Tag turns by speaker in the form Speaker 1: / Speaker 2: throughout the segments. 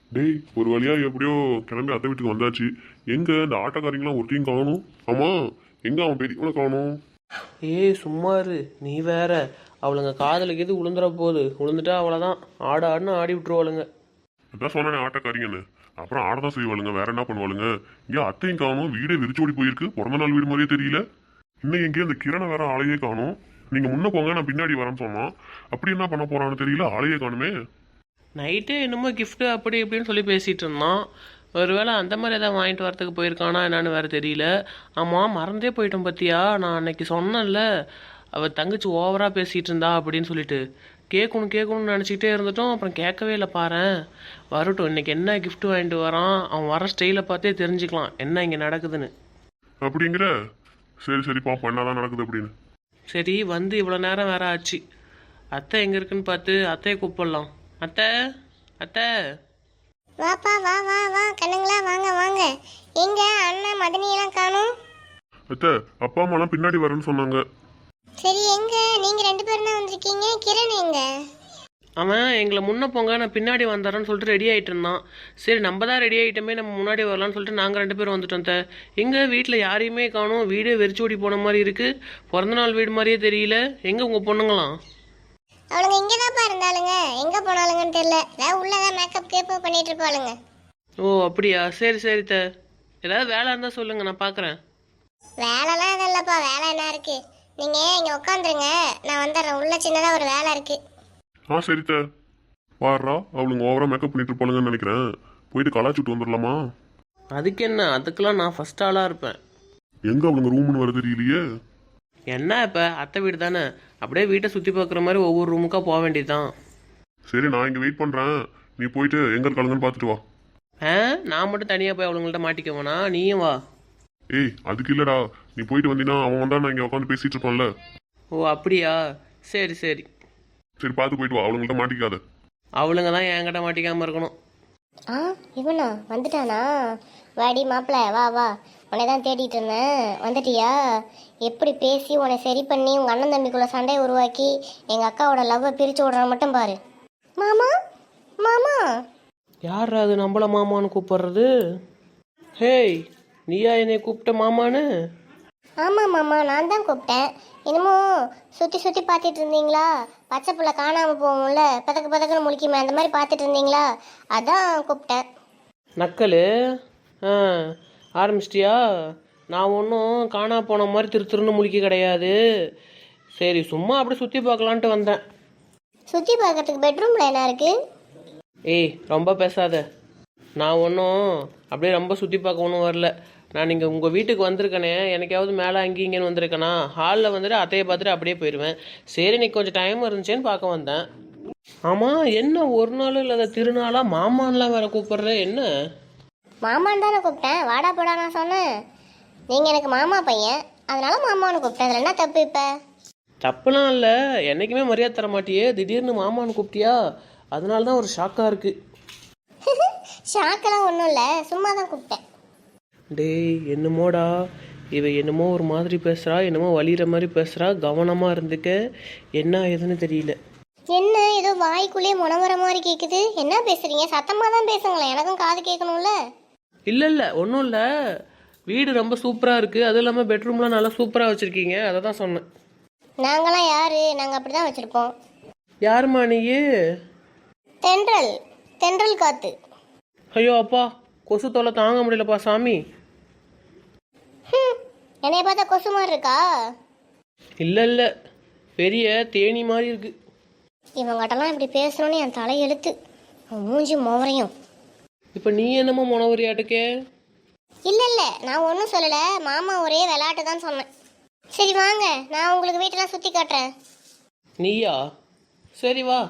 Speaker 1: டேய், ஒரு வழியா எப்படியோ கிளம்பி அத்தை வீட்டுக்கு வந்தாச்சு. எங்க இந்த ஆட்டோக்காரங்களாம் ஒருத்தையும் காணும். ஆமா, எங்க அவன் பெரியவனை காணும்.
Speaker 2: ஏய் சும்மா இரு நீ வேற. அவளுங்க காதலுக்கு எது விழுந்துற போகுது, விழுந்துட்டா அவ்வளோதான். ஆடுன்னு ஆடி விட்டுருவாளுங்க.
Speaker 1: அதான் சொன்னானே ஆட்டோக்காரிங்கன்னு. அப்புறம் ஆடதான் செய்வாளுங்க, வேற என்ன பண்ணுவாளுங்க. இங்க அத்தையும் காணும், வீடே விரிச்சோடி போயிருக்கு. பிறந்த நாள் வீடு மாதிரியே தெரியல. இன்னும் எங்கேயும் அந்த கிரணை வேற ஆளையே காணும். நீங்க முன்ன போங்க, நான் பின்னாடி வரேன்னு சொன்னான். அப்படி என்ன பண்ண போறான்னு தெரியல, ஆளையே காணுமே.
Speaker 2: நைட்டே என்னமோ gift அப்படி இப்படின்னு சொல்லி பேசிகிட்டு இருந்தான். ஒருவேளை அந்த மாதிரி எதாவது வாங்கிட்டு வரத்துக்கு போயிருக்கானா என்னன்னு வேறு தெரியல. ஆமாம், மறந்தே போயிட்டோம் பத்தியா. நான் அன்னைக்கு சொன்னேன்ல, அவள் தங்கச்சி ஓவராக பேசிகிட்டு இருந்தா அப்படின்னு சொல்லிட்டு. கேட்கணும்னு நினச்சிக்கிட்டே இருந்துட்டோம். அப்புறம் கேட்கவே இல்லை பாரேன். வரட்டும், இன்னைக்கு என்ன gift வாங்கிட்டு வரான், அவன் வர ஸ்டைலை பார்த்தே தெரிஞ்சுக்கலாம் என்ன இங்கே நடக்குதுன்னு.
Speaker 1: அப்படிங்கிற சரி சரி பாப்போம் என்னதான் நடக்குது அப்படின்னு.
Speaker 2: சரி, வந்து இவ்வளோ நேரம் வேற ஆச்சு. அத்தை எங்கே இருக்குன்னு பார்த்து அத்தையை கூப்பிடலாம். அத்தை, அத்தை.
Speaker 3: வாப்பா வா வா வா கண்ணுங்களா, வாங்க வாங்க. எங்க அண்ணன் மதனியெல்லாம் காணும்?
Speaker 1: அத்தை, அப்பா அம்மாலாம் பின்னாடி வரேன்னு சொன்னாங்க.
Speaker 3: சரி, எங்க நீங்க ரெண்டு பேரும் தான் வந்திருக்கீங்க? கிரண் எங்க?
Speaker 2: அவன் எங்களை முன்ன போங்க நான் பின்னாடி வந்தாரன்னு சொல்லிட்டு ரெடி ஆகிட்டு இருந்தான். சரி, நம்ம தான் ரெடி ஆகிட்டோமே, நம்ம முன்னாடி வரலான்னு சொல்லிட்டு நாங்கள் ரெண்டு பேரும் வந்துட்டோம். எங்கள் வீட்டில் யாரையுமே காணும், வீடே வெறிச்சோடி போன மாதிரி இருக்குது. பிறந்த நாள் வீடு மாதிரியே தெரியல. எங்கே உங்கள் பொண்ணுங்களாம்?
Speaker 3: அவளுங்க இங்கதான்ப்பா இருந்தாளுங்க, எங்க போனாலுங்கன்னு தெரியல. ஏதாவது உள்ளதான் மேக்கப் கேப் பண்ணிட்டு இருப்பாளுங்க.
Speaker 2: ஓ அப்படியா, சரி சரி ஏதாவது வேலை இருந்தால் சொல்லுங்கள், நான் பார்க்குறேன்.
Speaker 3: வேலைலாம் எதுவும் இல்லப்பா, வேலை என்ன இருக்கு? நீங்க இங்க உட்காந்துருங்க, நான் வந்துடுறேன். உள்ள சின்னதா ஒரு வேலை இருக்கு.
Speaker 1: சரித்த பாடுறா, அவளுங்க ஓவரா மேக்கப் பண்ணிட்டு இருப்பாளுங்கன்னு நினைக்கிறேன். போயிட்டு கலாச்சுட்டு வந்துடலாமா?
Speaker 2: அதுக்கு என்ன, அதுக்கெல்லாம் நான் ஃபஸ்ட் ஆளாக இருப்பேன்.
Speaker 1: எங்க அவளுங்க ரூம்னு வர தெரியலையே.
Speaker 2: என்ன இப்போ அத்தை வீடு தானே, அப்படியே வீட்டை சுற்றி பார்க்குற மாதிரி ஒவ்வொரு ரூமுக்காக போக வேண்டியதுதான்.
Speaker 1: சரி, நான் இங்க வெயிட் பண்றேன். நீ போயிட்டு எங்க இருக்காளுங்கன்னு பார்த்துட்டு வா.
Speaker 2: நான் மட்டும் தனியாக போய் அவளுங்கள்ட்ட மாட்டிக்கவேனா, நீயும் வா.
Speaker 1: ஏய், அதுக்கு இல்லடா, நீ போயிட்டு வந்தீங்கன்னா அவன் வந்தா நான் இங்க உட்காந்து பேசிட்டு இருப்பான்ல.
Speaker 2: ஓ அப்படியா, சரி சரி.
Speaker 1: சரி, பார்த்து போயிட்டு வா, அவளுங்கள்ட்ட மாட்டிக்காத.
Speaker 2: அவளுங்க தான் என்கிட்ட மாட்டிக்காமல் இருக்கணும்.
Speaker 3: ஆ, இவனா வந்துட்டானா? வாடி மாப்பிள்ள, வா வா. உன்னை தான் தேடிட்டு இருந்தேன். வந்துட்டியா? எப்படி பேசி உன்னை சரி பண்ணி உங்கள் அண்ணன் தம்பிக்குள்ள சண்டையை உருவாக்கி எங்கள் அக்காவோட லவ்வை பிரித்து விடுறான் மட்டும் பாரு. மாமா மாமா.
Speaker 2: யார் அது நம்மள மாமான்னு கூப்பிடுறது? ஹேய், நீயா என்னை கூப்பிட்ட மாமான்னு?
Speaker 3: ஆமாம் மாமா, நான் தான் கூப்பிட்டேன். என்னமோ சுற்றி சுற்றி பார்த்துட்டு இருந்தீங்களா? பச்சை புள்ள காணாமல் போகும்ல, பதக்கு பதக்குன்னு முழிக்குமே, அந்த மாதிரி பார்த்துட்டு இருந்தீங்களா? அதான் கூப்பிட்டேன்.
Speaker 2: நக்கல் ஆ ஆரம்பிச்சிட்டியா? நான் ஒன்றும் காணா போன மாதிரி திருன்னு முழிக்க கிடையாது. சரி, சும்மா அப்படி சுற்றி பார்க்கலான்ட்டு வந்தேன்.
Speaker 3: சுற்றி பார்க்கறதுக்கு பெட்ரூமில் என்ன இருக்குது?
Speaker 2: ஏய், ரொம்ப பேசாத. நான் ஒன்றும் அப்படியே ரொம்ப சுற்றி பார்க்க ஒன்றும் வரல. நான் நீங்கள் உங்கள் வீட்டுக்கு வந்திருக்கேனே, எனக்காவது மேலே அங்கேயும் இங்கேன்னு வந்திருக்கேனா? ஹாலில் வந்துட்டு அத்தையை பார்த்துட்டு அப்படியே போயிடுவேன். சரி, இன்னைக்கு கொஞ்சம் டைம் இருந்துச்சேன்னு பார்க்க வந்தேன். ஆமாம், என்ன ஒரு நாள் இல்லாத திருநாளாக மாமான்லாம் வேற கூப்பிடுற, என்ன?
Speaker 3: மாமான்னு தானே கூப்பிட்டேன், வாடா போடா நான் சொன்னேன். நீங்கள் எனக்கு மாமா பையன், அதனால மாமான்னு கூப்பிட்டேன். அதில் என்ன தப்பு இப்போ?
Speaker 2: தப்புலாம் இல்லை, என்றைக்குமே மரியாதை தர மாட்டியே, திடீர்னு மாமான்னு கூப்பிட்டியா? அதனால தான் ஒரு ஷாக்காக இருக்குது.
Speaker 3: ஷாக்கெல்லாம் ஒன்றும் இல்லை, சும்மா தான் கூப்பிட்டேன்.
Speaker 2: டேய், என்னமோடா இவ என்னமோ ஒரு மாதிரி பேசுகிறா, என்னமோ வலிகிற மாதிரி பேசுகிறா. கவனமாக இருந்துக்க, என்ன ஏதுன்னு தெரியல.
Speaker 3: என்ன ஏதோ வாய்க்குள்ளேயே முனவர மாதிரி கேட்குது? என்ன பேசுறீங்க? சத்தமாக தான் பேசுங்களேன், எனக்கும் காது கேட்கணும்ல.
Speaker 2: இல்லை ஒன்றும் இல்லை, வீடு ரொம்ப சூப்பராக இருக்குது. அதுவும் இல்லாமல் பெட்ரூம்லாம் நல்லா சூப்பராக வச்சுருக்கீங்க, அதை தான் சொன்னேன்.
Speaker 3: நாங்களாம் யாரு? நாங்கள் அப்படி தான் வச்சுருப்போம்.
Speaker 2: யாருமா நீயே?
Speaker 3: தென்றல், தென்றல் காத்து.
Speaker 2: ஐயோ அப்பா, கொசு தொல்லை தாங்க முடியலப்பா சாமி.
Speaker 3: என்னைய பார்த்தா கொசு மாதிரி இருக்கா?
Speaker 2: இல்லை பெரிய தேனி மாதிரி இருக்கு.
Speaker 3: இவங்ககிட்டலாம் இப்படி பேசணும்னு என் தலை எழுத்து. மூஞ்சி மோவரையும்.
Speaker 2: இப்போ நீ என்னமோ முனவரியாட்டுக்கே?
Speaker 3: இல்லை, நான் ஒன்றும் சொல்லலை. மாமா ஒரே விளையாட்டு தான் சொன்னேன். சரி வாங்க, நான் உங்களுக்கு வீட்டெல்லாம் சுற்றி காட்டுறேன்.
Speaker 2: நீயா? சரி வா.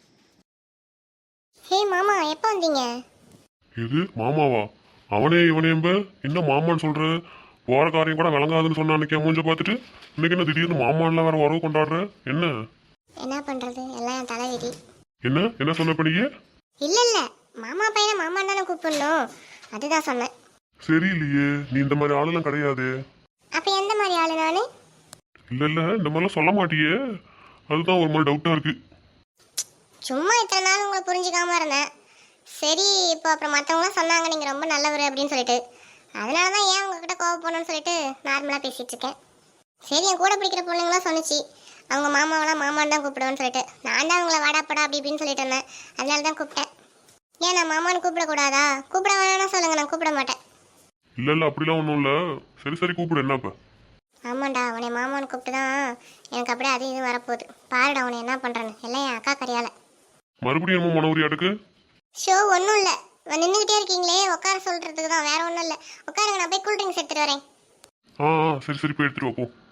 Speaker 3: ஹே மாமா, எப்போ வந்தீங்க?
Speaker 1: எது மாமாவா? அவனே இவனேம்ப என்ன மாமான்னு சொல்ற? போற காரியம் கூட விளங்காதுன்னு சொன்ன அன்னைக்கு மூஞ்ச பார்த்துட்டு இன்னைக்கு என்ன திடீர்னு மாமான்லாம் வேற உறவு கொண்டாடுற? என்ன
Speaker 3: என்ன பண்ணுறது, எல்லாம் என் தலை விதி.
Speaker 1: என்ன என்ன சொன்ன பண்ணியே?
Speaker 3: இல்லை, மாமா பையனை மாமா தானே கூப்பிடணும், அதுதான் சொன்னேன்.
Speaker 1: சரியில்லையே, நீ இந்த மாதிரி ஆளுலாம் கிடையாது.
Speaker 3: அப்போ எந்த மாதிரி ஆளு நானு?
Speaker 1: இல்ல இந்த மாதிரிலாம் சொல்ல மாட்டியே, அதுதான் ஒரு மாதிரி டவுட்டா இருக்கு.
Speaker 3: சும்மா இத்தனை நாள் உங்களை புரிஞ்சுக்காம இருந்தேன். சரி இப்போ அப்புறம் மற்றவங்களாம் சொன்னாங்க நீங்கள் ரொம்ப நல்லவர் அப்படின்னு சொல்லிட்டு, அதனால தான் ஏன் உங்ககிட்ட கோவப்படணும்னு சொல்லிட்டு நார்மலாக பேசிகிட்டு இருக்கேன். சரி, என் கூட பிடிக்கிற பொண்ணுங்களாம் சொன்னிச்சு அவங்க மாமாவெல்லாம் மாமான்னு தான் கூப்பிடுவேன்னு சொல்லிட்டு, நான் தான் அவங்கள வாடாப்படா அப்படி இப்படின்னு சொல்லிட்டு இருந்தேன். அதனால தான் கூப்பிட்டேன். ஏன் நான் மாமான்னு கூப்பிடக்கூடாதா? கூப்பிட வேணாம்னா சொல்லுங்கள், நான் கூப்பிட மாட்டேன்.
Speaker 1: இல்ல இல்ல அப்படிலாம் ஒன்றும் இல்ல. சரி சரி கூப்பிடு, என்ன இப்ப?
Speaker 3: ஆமாண்டா, உன்னை மாமான்னு கூப்பிட்டு தான் எனக்கு அப்படியே அது இது வரப்போகுது. பாருடா உன்னை என்ன பண்ணுறேன்னு, எல்லாம் என் அக்கா கரையால.
Speaker 1: மறுபடியும் என்னமோ மனோரியாட்டுக்கு?
Speaker 3: ஷோ ஒன்றும் இல்லை, நின்றுக்கிட்டே இருக்கீங்களே உட்கார சொல்கிறதுக்கு தான், வேற ஒன்றும் இல்லை. உட்காருங்க, நான் போய் கூல் ட்ரிங்க்ஸ் எடுத்துகிட்டு வரேன்.
Speaker 1: சரி சரி போய் எடுத்துட்டு வா போ.